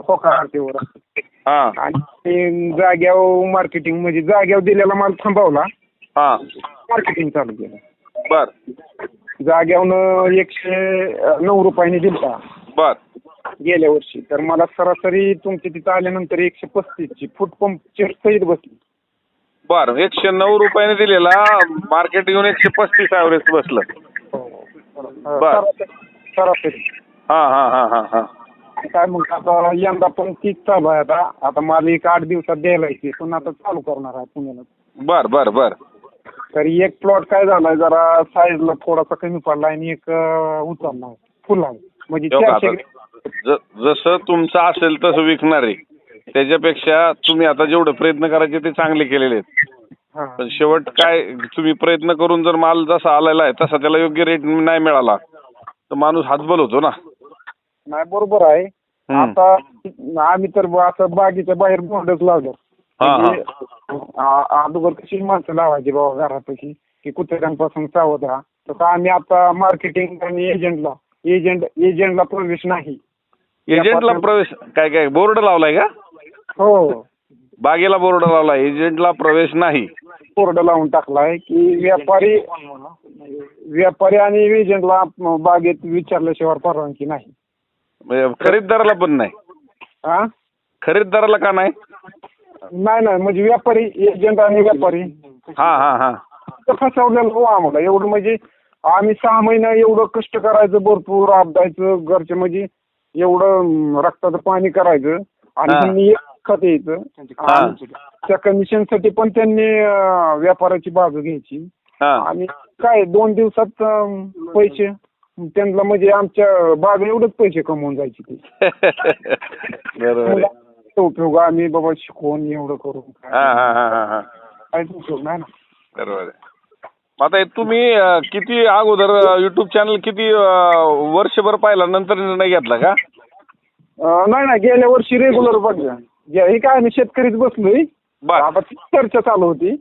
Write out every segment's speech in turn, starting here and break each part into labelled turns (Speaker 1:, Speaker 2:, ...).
Speaker 1: होकारावर
Speaker 2: हा
Speaker 1: आणि जाग्यावर मार्केटिंग म्हणजे जाग्यावर दिलेला माल थांबवला,
Speaker 2: हा
Speaker 1: मार्केटिंग चालू केलं.
Speaker 2: बर
Speaker 1: जाग्यावरनं 109 रुपयाने दिलता
Speaker 2: बर
Speaker 1: गेल्या वर्षी. तर मला सरासरी तुमच्या तिथं आल्यानंतर 135ची फूट पंपची सहित बसली.
Speaker 2: बर 109 रुपयाने दिलेला मार्केट येऊन 135 ॲव्हरेज बसलं. बर
Speaker 1: सरासरी
Speaker 2: हा हा हा हा हा
Speaker 1: काय मग आता यंदा पण तीच चालू आहे. आता मला 1-8 दिवसात द्यायला येते, पण आता चालू करणार आहे पुण्याला.
Speaker 2: बर बर बर
Speaker 1: तर एक प्लॉट काय झालाय जरा साईजला थोडासा कमी पडला आणि एक उचलला आहे, फुल आहे म्हणजे
Speaker 2: हो का,
Speaker 1: 400.
Speaker 2: आता जसं तुमचं असेल तसं विकणार आहे. त्याच्यापेक्षा तुम्ही आता जेवढे प्रयत्न करायचे ते चांगले केलेले आहेत.
Speaker 1: हा.
Speaker 2: पण शेवट काय तुम्ही प्रयत्न करून जर माल जसा आलेला आहे तसा त्याला योग्य रेट नाही मिळाला तर माणूस हातबल होतो ना.
Speaker 1: नाही बरोबर आहे. आता आम्ही तर असं बागेच्या बाहेर बोर्डच लावलं. म्हणजे अगोदर कशी माणसं लावायची बाबा घरापाशी की कुत्र्यांपासून सावध राहा, तसं आम्ही आता मार्केटिंग आणि एजंटला प्रवेश नाही.
Speaker 2: एजंटला प्रवेश काय काय बोर्ड लावलाय का?
Speaker 1: हो,
Speaker 2: बागेला बोर्ड लावलाय, एजंटला प्रवेश नाही.
Speaker 1: बोर्ड लावून टाकलाय की व्यापारी आणि एजंटला बागेत विचारल्याशिवाय परवानगी नाही.
Speaker 2: म्हणजे खरीददाराला पण नाही?
Speaker 1: हा,
Speaker 2: खरीददाराला का नाही?
Speaker 1: नाही म्हणजे व्यापारी, एजंट आणि व्यापारी
Speaker 2: हा हा हा
Speaker 1: फसवलेलं हो आम्हाला. एवढं म्हणजे आम्ही 6 महिने एवढं कष्ट करायचं, भरपूर आपदायचं घरचे, म्हणजे एवढं रक्ताचं पाणी करायचं आणि त्यांनी एक खत यायचं. त्या कमिशनसाठी पण त्यांनी व्यापाराची बाजू घ्यायची आणि काय 2 दिवसात पैसे त्यांना, म्हणजे आमच्या बाग एवढंच पैसे कमवून जायचे ते.
Speaker 2: बरोबर
Speaker 1: उपयोग आम्ही बाबा शिकवून एवढं करून काहीच उपयोग नाही ना.
Speaker 2: बरोबर. आता तुम्ही किती अगोदर युट्यूब चॅनल किती वर्षभर पाहिला नंतर निर्णय घेतला का?
Speaker 1: नाही गेल्या वर्षी रेग्युलर बघा. हे काय आम्ही शेतकरीच बसलोय. आता चर्चा चालू होती.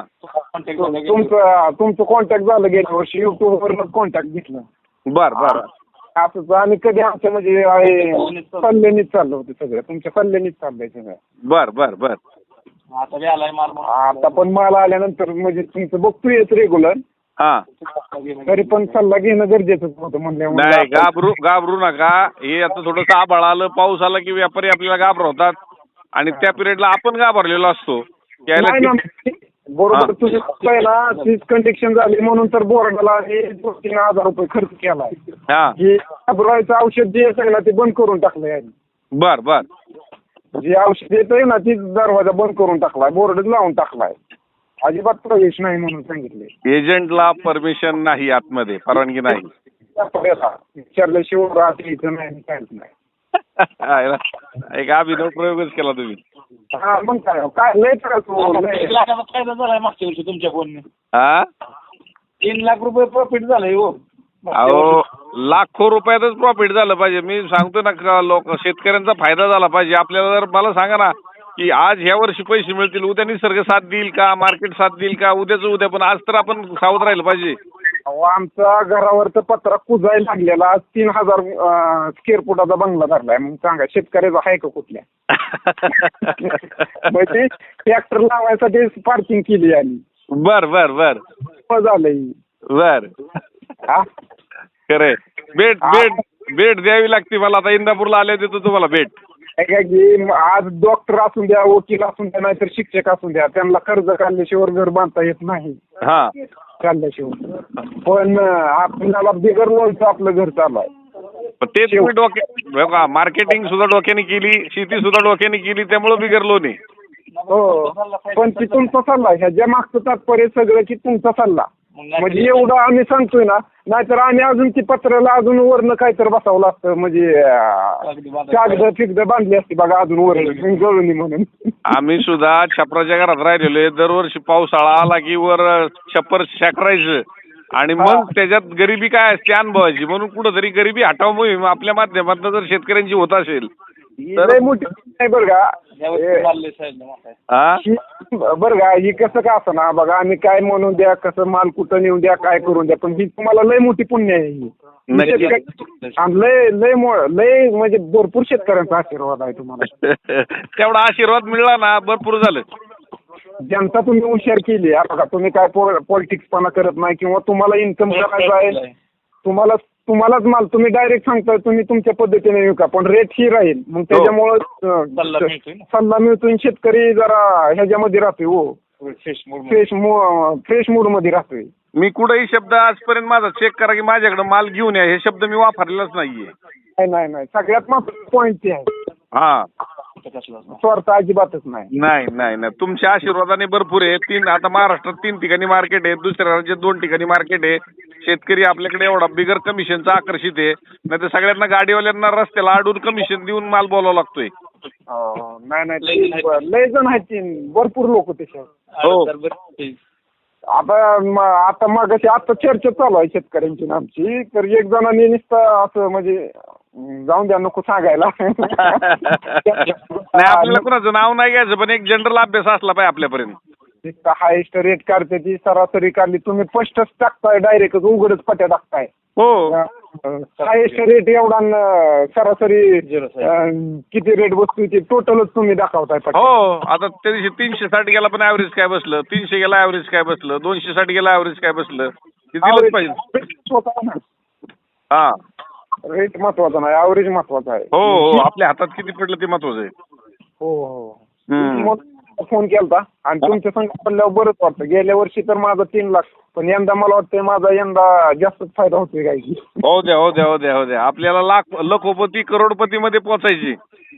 Speaker 1: तुमचं कॉन्टॅक्ट झालं गेल्या वर्षी, युट्यूबवर कॉन्टॅक्ट घेतला.
Speaker 2: बर बर
Speaker 1: असंच आम्ही कधी आमच्या म्हणजे सल्ल्यानीच चाललं होतं सगळं, तुमच्या सल्ल्यानीच चाललंय सगळं.
Speaker 2: बर बर बर
Speaker 1: आता पण माल आल्यानंतर म्हणजे तुमचं बघतोयच रेग्युलर.
Speaker 2: हा,
Speaker 1: तरी पण सल्ला घेणं गरजेचं होतं म्हणल्यावर.
Speaker 2: नाही घाबरू नका. हे आता थोडंसं आभाळ आलं, पाऊस आला की व्यापारी आपल्याला घाबरवतात आणि त्या पिरियडला आपण घाबरलेलो असतो.
Speaker 1: बरोबर, तुम्ही पहिला तीच कंडिशन झाली म्हणून तर बोर्डाला 2-3 हजार रुपये खर्च केलाय. हे घाबरायचं औषध जे आहे ना ते बंद करून टाकलंय.
Speaker 2: बर बर
Speaker 1: जे औषध येतंय ना तीच दरवाजा बंद करून टाकलाय, बोर्डच लावून टाकलाय. अजिबात प्रवेश नाही म्हणून सांगितले.
Speaker 2: एजंटला परमिशन नाही, आतमध्ये परवानगी नाही.
Speaker 1: विचारल्याशिवाय राहायचं नाही, काहीच नाही.
Speaker 2: एक अभिनव प्रयोगच केला तुम्ही.
Speaker 1: हा मग काय लय
Speaker 3: फायदा झालाय मागच्या वर्षी तुमच्या फोनने. 3 लाख रुपये प्रॉफिट झालंय हो.
Speaker 2: अहो लाखो रुपयातच प्रॉफिट झालं पाहिजे. मी सांगतो ना, लोक शेतकऱ्यांचा फायदा झाला पाहिजे. आपल्याला जर मला सांगा ना की आज ह्या वर्षी पैसे मिळतील, उद्या निसर्ग साथ देईल का, मार्केट साथ देईल का, उद्याच उद्या, पण आज तर आपण सावध राहिलं पाहिजे.
Speaker 1: आमचा घरावरचा पत्रा कुजायला लागलेला, 3000 स्क्वेअर फुटाचा बंगला धरलाय. मग सांगा शेतकऱ्याचा आहे का कुठल्या? म्हणजे ट्रॅक्टर लावायसाठी पार्किंग केली आम्ही.
Speaker 2: बर बर बर
Speaker 1: झालंय
Speaker 2: बर खरे. भेट द्यावी लागते मला. आता इंदापूरला आले देतो तुम्हाला भेट.
Speaker 1: आज डॉक्टर असून द्या, वकील असून द्या, नाहीतर शिक्षक असून द्या, त्यांना कर्ज काढल्याशिवाय घर बांधता येत नाही. काढल्याशिवाय पण आपल्याला बिगर लोनचं आपलं घर चालू आहे.
Speaker 2: ते तुम्ही मार्केटिंग सुद्धा डोक्याने केली, शेती सुद्धा डोक्याने केली, त्यामुळे बिगर लोन आहे.
Speaker 1: हो, पण ती तुमचा सल्ला, ह्याच्या मागचं तात्पर्य सगळं की तुमचा सल्ला. म्हणजे एवढं आम्ही सांगतोय ना, नाहीतर आम्ही अजून ती पत्राला अजून वरनं काहीतरी बसावलं असतं, म्हणजे कागद बांधली असती बघा अजून वरण गळून म्हणून.
Speaker 2: आम्ही सुद्धा छपराच्या घरात राहिलेलो. दरवर्षी पावसाळा आला की वर छप्पर शाकरायचं आणि मग त्याच्यात गरिबी काय असते अनुभवायची. म्हणून कुठंतरी गरिबी हटाव मोहीम आपल्या माध्यमातून जर शेतकऱ्यांची होत असेल तर
Speaker 1: मोठी नाही बरं का.
Speaker 2: हा
Speaker 1: बरं का, ही कसं का असं ना बघा, आम्ही काय म्हणून द्या, कसं माल कुठं नेऊन द्या, काय करून द्या, पण ही तुम्हाला लय मोठी पुण्य आहे ही. आणि लय म्हणजे भरपूर शेतकऱ्यांचा आशीर्वाद आहे तुम्हाला.
Speaker 2: तेवढा आशीर्वाद मिळाला ना भरपूर झालं.
Speaker 1: जनता तुम्ही हुशार केली. बघा, तुम्ही काय पॉलिटिक्सपणा करत नाही किंवा तुम्हाला इन्कम करायचा आहे, तुम्हालाच माल तुम्ही डायरेक्ट सांगताय तुम्ही तुमच्या पद्धतीने विका, पण रेट ही राहील. मग त्याच्यामुळं सल्ला मिळतोय, शेतकरी जरा ह्याच्यामध्ये राहतोय. हो, फ्रेश मूड मध्ये राहतोय.
Speaker 2: मी कुठेही शब्द आजपर्यंत माझा चेक करा की माझ्याकडे माल घेऊन या, हे शब्द मी वापरलेलाच नाहीये.
Speaker 1: नाही, सगळ्यात महत्त्वाचा पॉईंट ते आहे.
Speaker 2: हा,
Speaker 1: स्वार्थ अजिबातच नाही.
Speaker 2: तुमच्या आशीर्वादाने भरपूर आहे. आता महाराष्ट्रात 3 ठिकाणी मार्केट आहे, दुसऱ्या राज्यात 2 ठिकाणी मार्केट आहे. शेतकरी आपल्याकडे एवढा बिगर कमिशनचा आकर्षित आहे. नाही तर सगळ्यांना गाडीवाल्यांना रस्त्याला अडून कमिशन देऊन माल बोलावा लागतोय.
Speaker 1: नाही, लय जण आहेत, भरपूर लोक तसे.
Speaker 2: हो,
Speaker 1: आता मागाशी आता चर्चा चालू आहे शेतकऱ्यांची आमची, तर एक जणांनी नुसतं असं म्हणजे जाऊन द्या, नको सांगायला.
Speaker 2: नाही, आपल्याला कुणाचं नाव नाही घ्यायचं, पण एक जनरल अभ्यास असला पाहिजे आपल्यापर्यंत.
Speaker 1: हायेस्ट रेट काढते ती सरासरी काढली, तुम्ही स्पष्टच टाकताय, डायरेक्ट उघडच पट्या टाकताय.
Speaker 2: हो,
Speaker 1: हायेस्ट रेट एवढा, सरासरी किती रेट बसतो ते टोटलच तुम्ही दाखवताय.
Speaker 2: हो, आता त्या दिवशी 360 गेला पण ऍव्हरेज काय बसलं, 300 गेला ऍव्हरेज काय बसलं, 260 गेला ऍव्हरेज काय बसलं, ते दिलंच पाहिजे. हा,
Speaker 1: रेट महत्वाचा नाही, ऍव्हरेज महत्वाचा आहे.
Speaker 2: हो, आपल्या हातात किती पडलं ते महत्वाचं आहे.
Speaker 1: हो, फोन केलता आणि तुमच्या संग बोलल्यावर बरंच वाटतं. गेल्या वर्षी तर माझा 3 लाख, पण यंदा मला वाटतंय माझा यंदा जास्तच फायदा होतोय काय की.
Speaker 2: हो द्या आपल्याला लखोपती करोडपती मध्ये पोहोचायची.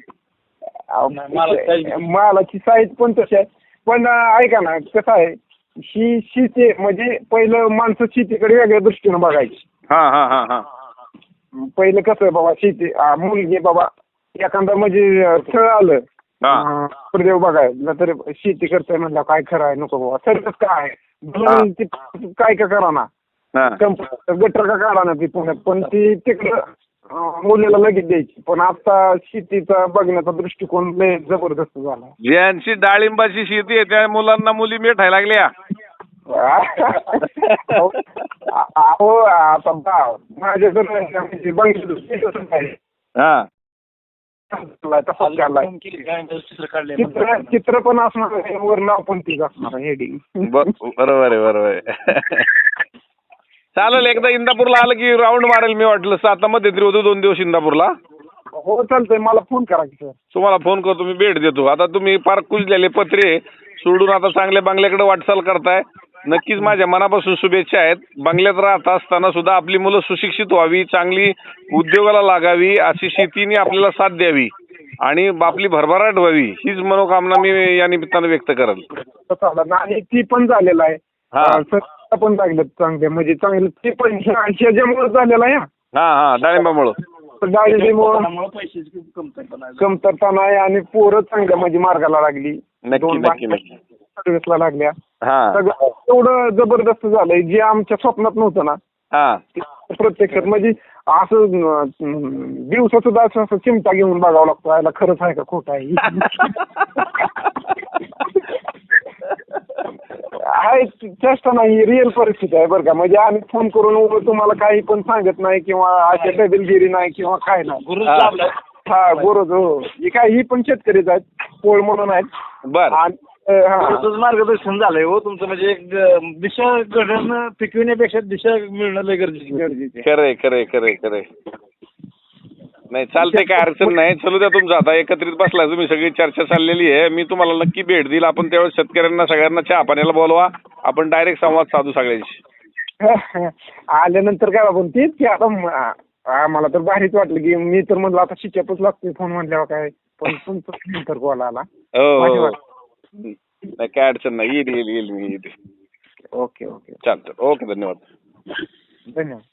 Speaker 1: मालाची साईज पण तशी आहे. पण ऐका ना, कसं आहे, ही शेती म्हणजे पहिलं माणसं शेतीकडे वेगळ्या दृष्टीनं बघायची.
Speaker 2: हा,
Speaker 1: पहिलं कसं आहे बाबा, शेती मुलगी बाबा एखादा म्हणजे खेळ आलं प्रदेव बघायला, तर शेती करताय म्हणलं काय खरं आहे, नको बाबा सरकच काय काय का करा ना, गटर का काढा ना ती पुण्यात, पण ती तिकडं मुलीला लगेच द्यायची. पण आता शेतीचा बघण्याचा दृष्टिकोन लय जबरदस्त झाला.
Speaker 2: ज्यांची डाळिंबाची शेती आहे त्या मुलांना मुली मिठायला लागल्या.
Speaker 1: अहो, आता माझ्याकडे बंगले चित्र पण असणार, वर नाव पण तीच असणार, हेडिंग.
Speaker 2: बरोबर आहे. चालेल, एकदा इंदापूरला आलं की राऊंड मारेल मी, वाटलं सातामध्ये तरी होतो 2 दिवस इंदापूरला.
Speaker 1: हो चालतंय, मला फोन करा की सर.
Speaker 2: तुम्हाला फोन करतो, मी भेट देतो. आता तुम्ही पार कुजलेले पत्रे सोडून आता चांगल्या बंगल्याकडे वाटचाल करताय, नक्कीच माझ्या मनापासून शुभेच्छा आहेत. बंगल्यात राहत असताना सुद्धा आपली मुलं सुशिक्षित व्हावी, चांगली उद्योगाला लागावी, अशी शेतीने आपल्याला साथ द्यावी आणि आपली भरभराट व्हावी, हीच मनोकामना मी या निमित्तानं व्यक्त करेल.
Speaker 1: आणि ती पण झालेलं आहे, पण लागलं चांगले, म्हणजे चांगलं ते पण ह्याच्यामुळे झालेलं आहे.
Speaker 2: हा, डाळिंबामुळं
Speaker 1: कमतरता नाही आणि पोरं चांगल्या म्हणजे मार्गाला लागली, सर्व्हिसला लागल्या, सगळं एवढं जबरदस्त झालंय जे आमच्या स्वप्नात नव्हतं ना, प्रत्यक्षात म्हणजे असं दिवसा सुद्धा असं चिमटा घेऊन बघावं लागतो, याला खरंच आहे का खोटं आहे. आहे चेष्टा नाही, रिअल परिस्थिती आहे बरं का. म्हणजे आम्ही फोन करून तुम्हाला काही पण सांगत नाही किंवा अशा टेबलगिरी नाही किंवा काय नाही. हा, गुरुज. हो, ही पण शेतकरीच आहेत, पोळ म्हणून आहेत.
Speaker 2: बरं,
Speaker 3: मार्गदर्शन झालंय हो तुमचं, म्हणजे एक दिशा घडवणं पिकविण्यापेक्षा दिशा मिळणं लय गरजेचं.
Speaker 2: खरंय. नाही, चालते, काय अडचण नाही. चलू द्या तुमचं. आता एकत्रित बसलाय तुम्ही, सगळी चर्चा चाललेली आहे. मी तुम्हाला नक्की भेट देईल. आपण त्यावेळेस शेतकऱ्यांना सगळ्यांना चहा पाण्याला बोलवा, आपण डायरेक्ट संवाद साधू सगळ्यांशी.
Speaker 1: आल्यानंतर काय आपण तेच की आता मला तर भारीच वाटलं की मी तर म्हणलं आता शिच्यापच लागतोय फोन म्हणल्यावर काय, पण तुमचं नंतर कॉल आला.
Speaker 2: हो, नाही काय अडचण नाही, येईल मी.
Speaker 1: ओके.
Speaker 2: चालतं, ओके, धन्यवाद.